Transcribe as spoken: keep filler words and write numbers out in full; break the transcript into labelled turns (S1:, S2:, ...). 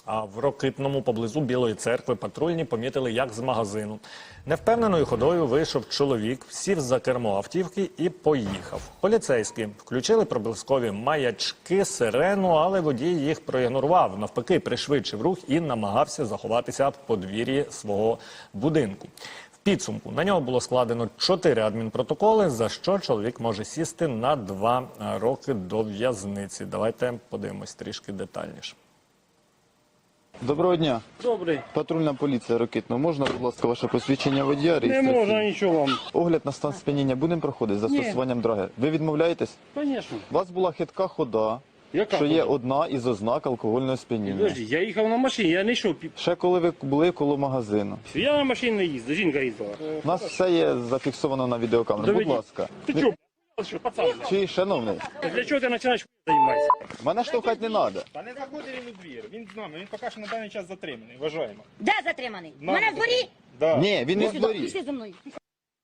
S1: А в Рокитному поблизу Білої церкви патрульні помітили, як з магазину невпевненою ходою вийшов чоловік, сів за кермо автівки і поїхав. Поліцейські включили проблискові маячки, сирену, але водій їх проігнорував. Навпаки, пришвидшив рух і намагався заховатися в подвір'ї свого будинку. В підсумку на нього було складено чотири адмінпротоколи, за що чоловік може сісти на два роки до в'язниці. Давайте подивимось трішки детальніше.
S2: Доброго дня.
S3: Добрий.
S2: Патрульна поліція Рокитного. Можна, будь ласка, ваше посвідчення водія?
S3: Не
S2: реєстраційне?
S3: можна нічого вам.
S2: Огляд на стан сп'яніння будемо проходити за
S3: Ні.
S2: застосуванням драги. Ви відмовляєтесь?
S3: Звісно.
S2: У вас була хитка хода,
S3: Яка
S2: що є
S3: хода?
S2: одна із ознак алкогольного сп'яніння.
S3: Подожди, я їхав на машині, я не йшов. пі-
S2: Ще коли ви були коло магазину.
S3: Я на машині не їздив, жінка їздила.
S2: У нас все є зафіксовано на відеокамеру. Будь
S3: Доведіть.
S2: ласка.
S3: Ти
S2: Ви-
S3: чого, б***ь, що, пацан?
S2: Чи, шановний,
S3: Для чого ти починаєш займатися?
S2: мене штовхати не треба.
S4: Та не заходить він у двір. Він з нами. Він поки що на даний час затриманий. Вважаємо.
S5: Де затриманий? У
S4: Нами
S5: мене в дворі?
S4: Да.
S2: Ні, він не в
S5: Сюди,
S2: дворі.
S5: пішли зі мною.